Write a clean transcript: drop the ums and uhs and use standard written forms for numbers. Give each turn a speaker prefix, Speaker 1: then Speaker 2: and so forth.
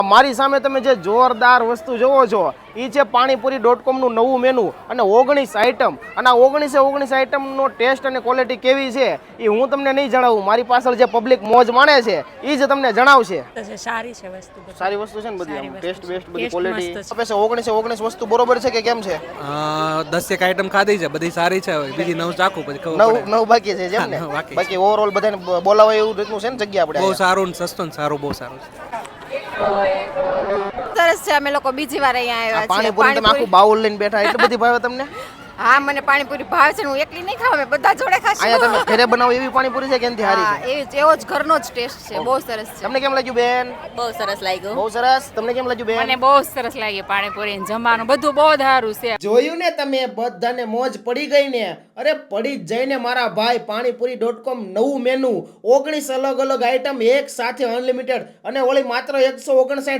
Speaker 1: મારી સામે તમે જે જોરદાર વસ્તુ જોવો છો એ છે પાણીપુરી.com નું નવું મેનુ અને 19 આઈટમ અને આ 19 આઈટમનો ટેસ્ટ અને ક્વોલિટી કેવી છે એ હું તમને નહીં જણાવું, મારી પાછળ જે પબ્લિક મોજ માણે છે એ જ તમને જણાવશે.
Speaker 2: સારી છે વસ્તુ,
Speaker 1: સારી વસ્તુ છે ને બધી, આમ ટેસ્ટ બેસ્ટ બધી
Speaker 2: ટેસ્ટ
Speaker 1: ક્વોલિટી
Speaker 2: મસ્ત
Speaker 1: આપે છે. 19 વસ્તુ બરોબર છે કે કેમ છે?
Speaker 3: 10 આઈટમ ખાધી છે, બધી સારી છે. બીજી 9 ચાખું પછી ખબર પડે.
Speaker 1: નવ બાકી છે જેમ ને?
Speaker 3: હા, બાકી છે.
Speaker 1: બાકી ઓવરઓલ બધાને બોલાવે એવું રીતનું છે ને જગ્યા આપણે
Speaker 3: બહુ
Speaker 1: અહીંયા?
Speaker 3: સારું ને સસ્તું ને સારું, બહુ સારું છે.
Speaker 4: સરસ છે. અમે લોકો બીજી વાર અહીંયા
Speaker 1: આ
Speaker 4: આવ્યા છીએ.
Speaker 1: પાણીપુરી તમે આખું બાઉલ લઈને બેઠા, એટલી બધી ભાવે તમને?
Speaker 4: હા, મને પાણીપુરી ભાવે છે. હું એકલી નહીં ખાવ, અમે બધા જોડે ખાશું.
Speaker 1: અહીંયા તમે ઘરે બનાવો એવી પાણીપુરી છે કે એનાથી
Speaker 4: હા,
Speaker 1: સારી છે?
Speaker 4: એવો જ ઘરનો જ ટેસ્ટ છે. બહુ સરસ છે.
Speaker 1: તમને કેમ લાગ્યું બેન?
Speaker 2: બહુ સરસ લાગ્યું.
Speaker 1: બહુ સરસ. તમને કેમ લાગ્યું બેન?
Speaker 2: મને બહુ સરસ લાગી પાણીપુરી જમવાનું, બધું બહુ સારું છે.
Speaker 1: જોયું ને તમે, બધાને મોજ પડી ગઈ ને? અરે પડી જ જઈને મારા ભાઈ. પાણીપુરી.com નવું મેનુ, 19 અલગ અલગ આઈટમ એક સાથે અનલિમિટેડ, અને ઓલી માત્ર 159